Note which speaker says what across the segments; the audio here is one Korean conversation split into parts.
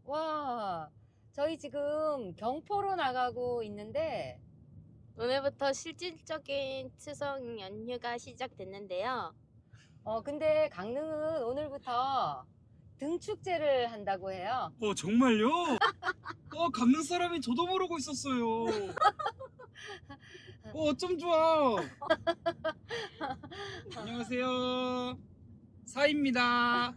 Speaker 1: 와, 저희 지금 경포로 나가고 있는데,
Speaker 2: 오늘부터 실질적인 추석 연휴가 시작됐는데요.
Speaker 1: 근데 강릉은 오늘부터 등축제를 한다고 해요.
Speaker 3: 정말요? 강릉 사람이 저도 모르고 있었어요. 어쩜 좋아. 안녕하세요. 사입니다.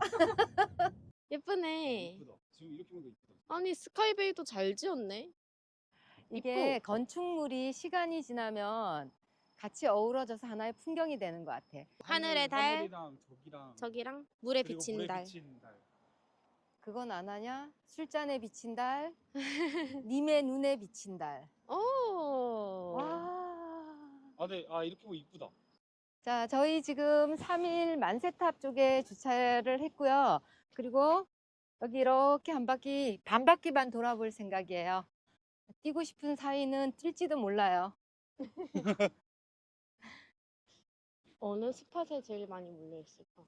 Speaker 2: 예쁘네.
Speaker 3: 이쁘다. 지금 이렇게 보니까 이쁘다.
Speaker 2: 아니, 스카이베이도 잘 지었네.
Speaker 1: 이게
Speaker 2: 이뻐.
Speaker 1: 건축물이 시간이 지나면 같이 어우러져서 하나의 풍경이 되는 것 같아.
Speaker 2: 하늘의 달,
Speaker 3: 하늘이랑 저기랑
Speaker 2: 저기랑 물에
Speaker 3: 그리고
Speaker 2: 비친
Speaker 3: 물에
Speaker 2: 달.
Speaker 3: 비친 달.
Speaker 1: 그건 안 하냐? 술잔에 비친 달, 님의 눈에 비친 달.
Speaker 2: 오.
Speaker 1: 와.
Speaker 3: 네. 이렇게 보면 이쁘다.
Speaker 1: 자, 저희 지금 3일 만세탑 쪽에 주차를 했고요. 그리고 여기 이렇게 한 바퀴, 반 바퀴만 돌아볼 생각이에요. 뛰고 싶은 사이는 뛸지도 몰라요.
Speaker 2: 어느 스팟에 제일 많이 몰려 있을까?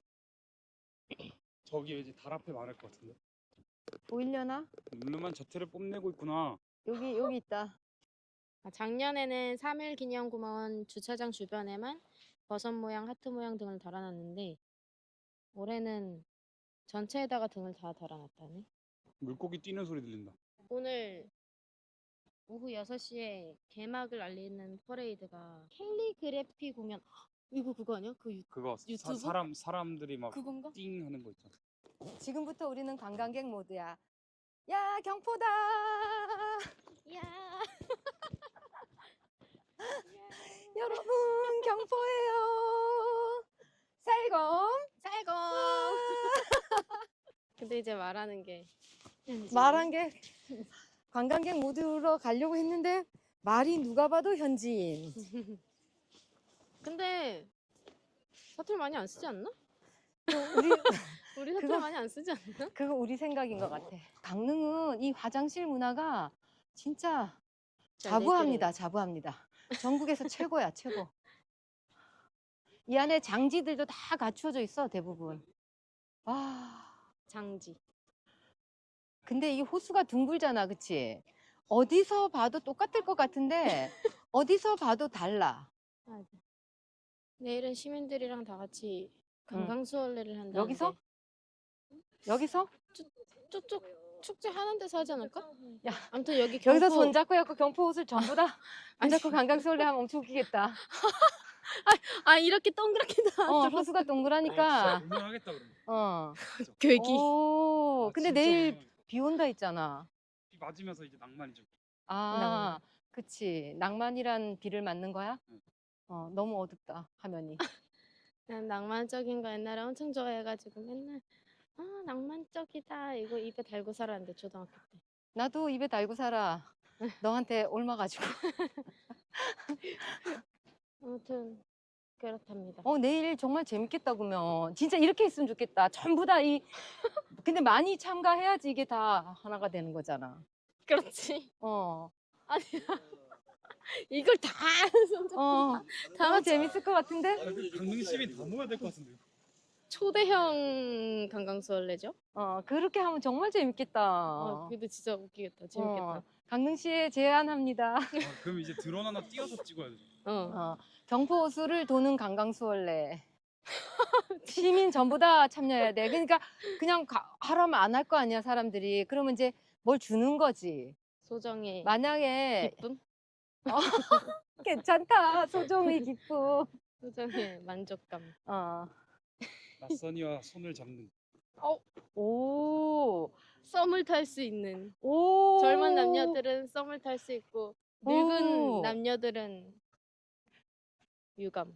Speaker 3: 저기 이제 달 앞에 많을 것 같은데.
Speaker 1: 보이려나?
Speaker 3: 룰루만 자태를 뽐내고 있구나.
Speaker 1: 여기 있다.
Speaker 2: 작년에는 3.1 기념공원 주차장 주변에만 버섯 모양, 하트 모양 등을 달아놨는데 올해는 전체에다가 등을 다 달아놨다네.
Speaker 3: 물고기 뛰는 소리 들린다.
Speaker 2: 오늘 오후 6시에 개막을 알리는 퍼레이드가 캘리그래피 공연. 이거 그거 아니야?
Speaker 3: 그거
Speaker 2: 유튜브?
Speaker 3: 사람들이 막
Speaker 2: 그건가?
Speaker 3: 띵 하는 거 있잖아.
Speaker 1: 지금부터 우리는 관광객 모드야. 야, 경포다!
Speaker 2: 야.
Speaker 1: 여러분, 경포예요. 쌀검.
Speaker 2: 쌀고. 근데 이제 말하는 게
Speaker 1: 말한 게 관광객 모드로 가려고 했는데 말이 누가 봐도 현지인.
Speaker 2: 근데 사투리 많이 안 쓰지 않나?
Speaker 1: 우리
Speaker 2: 우리 사투리
Speaker 1: 그거-
Speaker 2: 많이 안 쓰지 않나?
Speaker 1: 그거 우리 생각인 것 같아. 강릉은 이 화장실 문화가 진짜 자부합니다. 자부합니다. 전국에서 최고야, 최고. 이 안에 장지들도 다 갖추어져 있어, 대부분. 와,
Speaker 2: 장지.
Speaker 1: 근데 이 호수가 둥글잖아, 그치? 어디서 봐도 똑같을 것 같은데 어디서 봐도 달라.
Speaker 2: 맞아. 내일은 시민들이랑 다 같이 관광수월래를 한다는데
Speaker 1: 여기서? 여기서?
Speaker 2: 저쪽 축제 하는 데서 하지 않을까?
Speaker 1: 야,
Speaker 2: 아무튼 여기
Speaker 1: 여기서
Speaker 2: 경포.
Speaker 1: 손잡고 해갖고 경포 옷을 전부 다 손잡고 관광수월래 하면 엄청 웃기겠다.
Speaker 2: 이렇게 동그랗게 다
Speaker 1: 호수가 동그라니까.
Speaker 3: 운전하겠다 그러면.
Speaker 2: 괴기.
Speaker 1: 오, 근데
Speaker 3: 진짜
Speaker 1: 내일
Speaker 3: 운전하겠다.
Speaker 1: 비 온다 했잖아.
Speaker 3: 비 맞으면서 이제 낭만이죠.
Speaker 1: 아, 그치. 낭만이란 비를 맞는 거야?
Speaker 3: 응.
Speaker 1: 너무 어둡다, 화면이.
Speaker 2: 난 낭만적인 거 옛날에 엄청 좋아해가지고 맨날 낭만적이다 이거 입에 달고 살았는데 초등학교 때.
Speaker 1: 나도 입에 달고 살아. 너한테 옮아가지고.
Speaker 2: 아무튼 그렇답니다.
Speaker 1: 내일 정말 재밌겠다, 그러면. 진짜 이렇게 했으면 좋겠다. 전부 다 근데 많이 참가해야지 이게 다 하나가 되는 거잖아.
Speaker 2: 그렇지.
Speaker 1: 어,
Speaker 2: 이걸 다
Speaker 1: 너무 재밌을 것 같은데?
Speaker 3: 강릉 시민 다 모여야 될 것 같은데.
Speaker 2: 초대형 관광수월래죠?
Speaker 1: 그렇게 하면 정말 재밌겠다.
Speaker 2: 근데 진짜 웃기겠다. 재밌겠다.
Speaker 1: 강릉시에 제안합니다.
Speaker 3: 그럼 이제 드론 하나 띄워서 찍어야 돼.
Speaker 1: 경포호수를 도는 관광수월래. 시민 전부 다 참여해야 돼. 그러니까 그냥 하라면 안 할 거 아니야, 사람들이. 그러면 이제 뭘 주는 거지.
Speaker 2: 소정의
Speaker 1: 만약에
Speaker 2: 기쁨?
Speaker 1: 괜찮다, 소정의 기쁨.
Speaker 2: 소정의 만족감.
Speaker 3: 낯선이와 손을 잡는.
Speaker 1: 오,
Speaker 2: 썸을 탈 수 있는.
Speaker 1: 오.
Speaker 2: 젊은 남녀들은 썸을 탈 수 있고 늙은
Speaker 1: 오.
Speaker 2: 남녀들은 유감.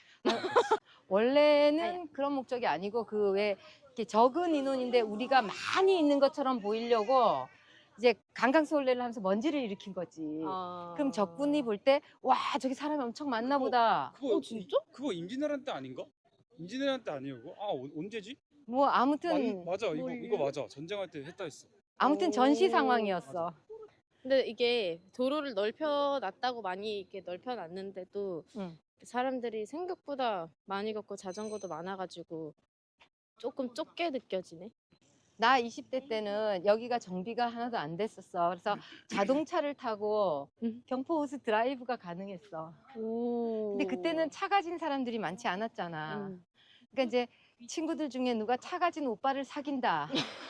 Speaker 1: 원래는 그런 목적이 아니고 그 왜 이렇게 적은 인원인데 우리가 많이 있는 것처럼 보이려고 이제 관광수월래를 하면서 먼지를 일으킨 거지. 그럼 적군이 볼 때 와, 저기 사람이 엄청 많나 보다.
Speaker 3: 그거
Speaker 2: 진짜?
Speaker 3: 그거 임진왜란 때 아닌가? 임진왜란 때 아니에요 그거? 언제지?
Speaker 1: 뭐 아무튼
Speaker 3: 맞아 이거 맞아. 전쟁할 때 했다 했어.
Speaker 1: 아무튼 전시 상황이었어.
Speaker 2: 근데 이게 도로를 넓혀놨다고 많이 이렇게 넓혀놨는데도
Speaker 1: 응.
Speaker 2: 사람들이 생각보다 많이 걷고 자전거도 많아가지고 조금 좁게 느껴지네.
Speaker 1: 나 20대 때는 여기가 정비가 하나도 안 됐었어. 그래서 자동차를 타고 경포호수 드라이브가 가능했어.
Speaker 2: 오.
Speaker 1: 근데 그때는 차 가진 사람들이 많지 않았잖아. 그러니까 이제 친구들 중에 누가 차 가진 오빠를 사귄다.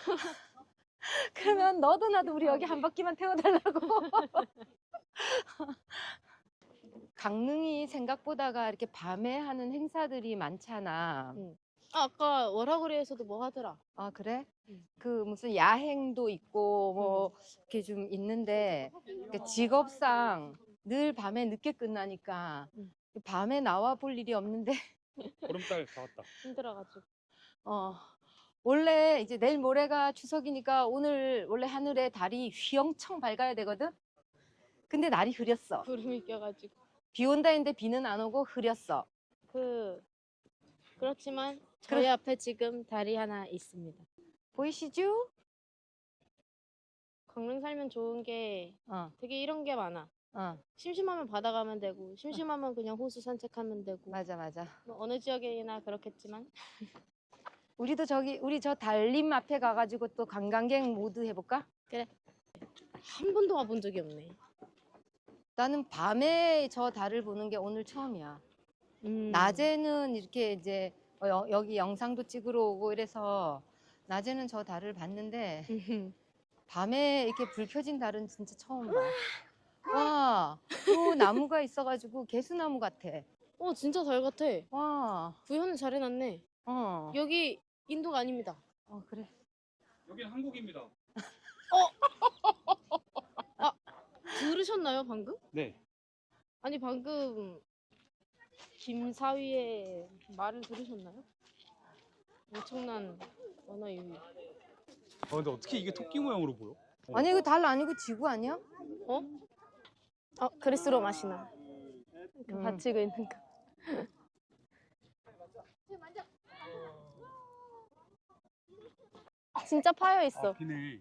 Speaker 1: 그러면 너도 나도 우리 여기 한 바퀴만 태워달라고. 강릉이 생각보다가 이렇게 밤에 하는 행사들이 많잖아.
Speaker 2: 아까 월화고리에서도 뭐 하더라.
Speaker 1: 아, 그래?
Speaker 2: 응.
Speaker 1: 그 무슨 야행도 있고 뭐 이렇게 좀 있는데 그러니까 직업상 늘 밤에 늦게 끝나니까
Speaker 2: 응.
Speaker 1: 밤에 나와 볼 일이 없는데
Speaker 3: 보름달 다 왔다.
Speaker 2: 힘들어가지고.
Speaker 1: 원래 이제 내일 모레가 추석이니까 오늘 원래 하늘에 달이 휘영청 밝아야 되거든? 근데 날이 흐렸어.
Speaker 2: 구름이 껴가지고.
Speaker 1: 비 온다 했는데 비는 안 오고 흐렸어.
Speaker 2: 그렇지만 저희 앞에 지금 달이 하나 있습니다.
Speaker 1: 보이시죠?
Speaker 2: 강릉 살면 좋은 게
Speaker 1: 어,
Speaker 2: 되게 이런 게 많아.
Speaker 1: 어,
Speaker 2: 심심하면 바다 가면 되고, 심심하면 그냥 호수 산책하면 되고.
Speaker 1: 맞아, 맞아.
Speaker 2: 뭐 어느 지역이나 그렇겠지만.
Speaker 1: 우리도 우리 저 달림 앞에 가가지고 또 관광객 모드 해볼까?
Speaker 2: 한 번도 와본 적이 없네.
Speaker 1: 나는 밤에 저 달을 보는 게 오늘 처음이야. 낮에는 이렇게 이제 여기 영상도 찍으러 오고 이래서 낮에는 저 달을 봤는데 밤에 이렇게 불 켜진 달은 진짜 처음 봐. 와, 또 나무가 있어가지고 개수나무 같아.
Speaker 2: 진짜 달 같아.
Speaker 1: 와,
Speaker 2: 구현을 잘 해놨네.
Speaker 1: 어,
Speaker 2: 여기 인도가 아닙니다.
Speaker 1: 그래.
Speaker 3: 여기는 한국입니다.
Speaker 2: 들으셨나요, 방금?
Speaker 3: 네.
Speaker 2: 아니, 방금 김사위의 말을 들으셨나요? 엄청난 언어 유희.
Speaker 3: 근데 어떻게 이게 토끼 모양으로 보여?
Speaker 1: 아니 이거 달 아니고 지구 아니야?
Speaker 2: 그리스로 마시나. 받치고 있는 거. 진짜 파여 있어.
Speaker 3: 비네.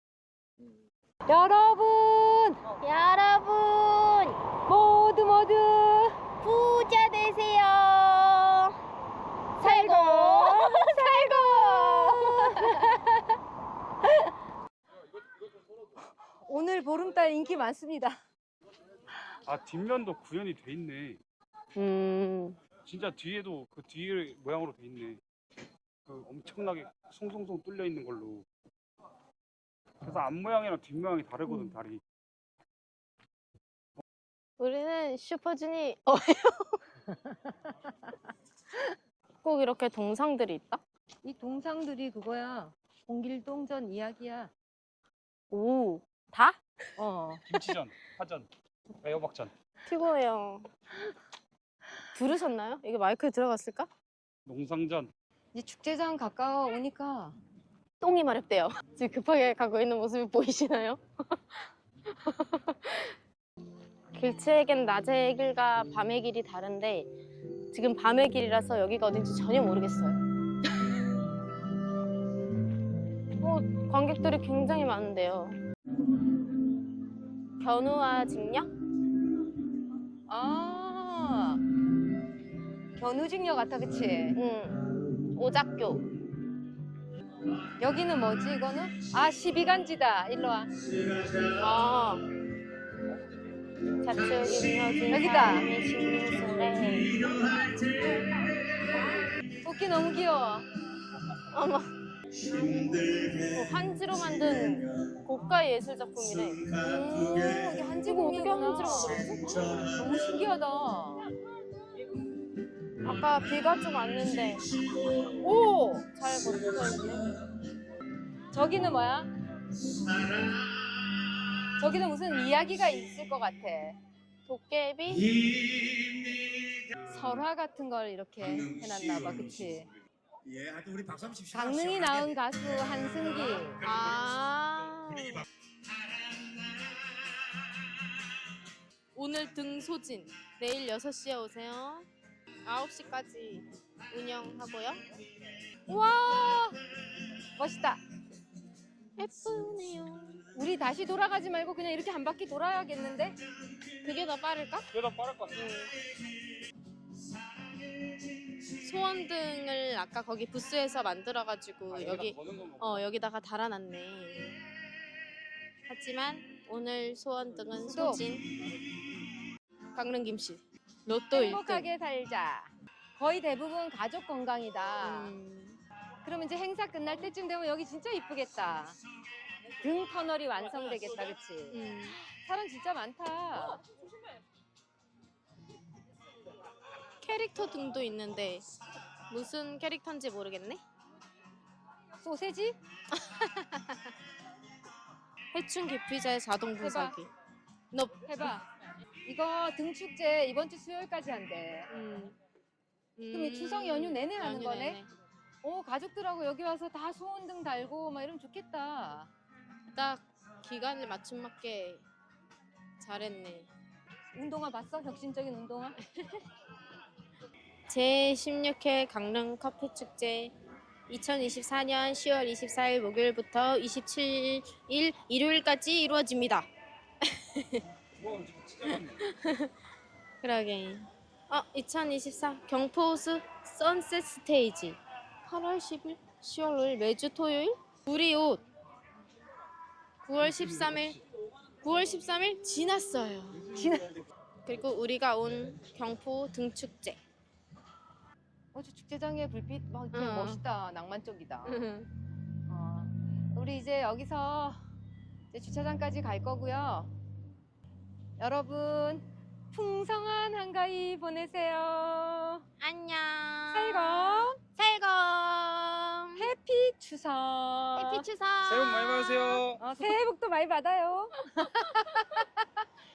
Speaker 1: 여러분
Speaker 2: 여러분,
Speaker 1: 모두
Speaker 2: 부자 되세요.
Speaker 1: 살고 오늘 보름달 인기 많습니다.
Speaker 3: 뒷면도 구현이 돼 있네. 진짜 뒤에도 그 뒤에 모양으로 돼 있네. 그 엄청나게 송송송 뚫려 있는 걸로. 그래서 앞 모양이랑 뒷 모양이 다르거든, 달이.
Speaker 2: 우리는 슈퍼주니. 꼭 이렇게 동상들이 있다?
Speaker 1: 이 동상들이 그거야. 공길동전 이야기야.
Speaker 2: 오, 다?
Speaker 3: 김치전, 파전, 애호박전.
Speaker 2: 피곤해요. 들으셨나요? 이게 마이크에 들어갔을까?
Speaker 3: 농상전.
Speaker 1: 이제 축제장 가까워 오니까
Speaker 2: 똥이 마렵대요. 지금 급하게 가고 있는 모습이 보이시나요? 길치에겐 낮의 길과 밤의 길이 다른데 지금 밤의 길이라서 여기가 어딘지 전혀 모르겠어요. 관객들이 굉장히 많은데요. 견우와 직녀?
Speaker 1: 견우직녀 같아, 그치?
Speaker 2: 응. 오작교.
Speaker 1: 여기는 뭐지 이거는? 12간지다. 일로 와.
Speaker 2: 자축인묘
Speaker 1: 여기다.
Speaker 2: 진사미신유술에
Speaker 1: 토끼 너무 귀여워.
Speaker 2: 어머. 한지로 만든 고가 예술 작품이래.
Speaker 1: 이게
Speaker 2: 이거
Speaker 1: 한지공이구나.
Speaker 2: 어떻게 한지로 만들었지?
Speaker 1: 너무 신기하다.
Speaker 2: 아까 비가 좀 왔는데 오! 잘 버텨져 있네.
Speaker 1: 저기는 뭐야? 저기는 무슨 이야기가 있을 것 같아.
Speaker 2: 도깨비?
Speaker 1: 설화 같은 걸 이렇게 해놨나 봐, 그치?
Speaker 4: 예, 하여튼 우리 박수 한번 칩시다.
Speaker 1: 강릉이 나온 가수 한승기.
Speaker 2: 오늘 등소진. 내일 6시에 오세요. 9시까지 운영하고요.
Speaker 1: 우와! 멋있다.
Speaker 2: 예쁘네요.
Speaker 1: 우리 다시 돌아가지 말고 그냥 이렇게 한 바퀴 돌아야겠는데?
Speaker 2: 그게 더 빠를까?
Speaker 3: 그게 더 빠를 것 같아.
Speaker 2: 소원등을 아까 거기 부스에서 만들어가지고 여기
Speaker 3: 거는 건가?
Speaker 2: 여기다가 달아놨네. 하지만 오늘 소원등은
Speaker 1: 수도.
Speaker 2: 소진 강릉 김씨 로또 1등.
Speaker 1: 행복하게 살자. 거의 대부분 가족 건강이다. 그러면 이제 행사 끝날 때쯤 되면 여기 진짜 이쁘겠다. 등 터널이 완성되겠다, 그치? 사람 진짜 많다.
Speaker 2: 캐릭터 등도 있는데 무슨 캐릭터인지 모르겠네.
Speaker 1: 소세지?
Speaker 2: 해충 기피자의 자동 분사기.
Speaker 1: 해봐. 이거 등축제 이번 주 수요일까지 한대. 그럼 이 추석 연휴 내내 하는
Speaker 2: 연휴
Speaker 1: 거네?
Speaker 2: 내내.
Speaker 1: 오, 가족들하고 여기 와서 다 소원등 달고 막 이러면 좋겠다.
Speaker 2: 딱 기간을 맞춤 맞게 잘했네.
Speaker 1: 운동화 봤어? 혁신적인 운동화?
Speaker 2: 제16회 강릉 커피 축제 2024년 10월 24일 목요일부터 27일 일요일까지 이루어집니다.
Speaker 3: 와 진짜 많네.
Speaker 2: 그러게. 2024 경포호수 선셋 스테이지 8월 10일, 10월 5일 매주 토요일 우리 옷 9월 13일 지났어요. 그리고 우리가 온 경포 등축제.
Speaker 1: 저 축제장에 불빛 막 이렇게
Speaker 2: 응.
Speaker 1: 멋있다. 낭만적이다. 우리 이제 여기서 이제 주차장까지 갈 거고요. 여러분 풍성한 한가위 보내세요.
Speaker 2: 안녕.
Speaker 1: 살검
Speaker 2: 살검.
Speaker 1: 해피 추석.
Speaker 2: 해피 추석.
Speaker 3: 새해 복 많이 받으세요.
Speaker 1: 새해 복도 많이 받아요.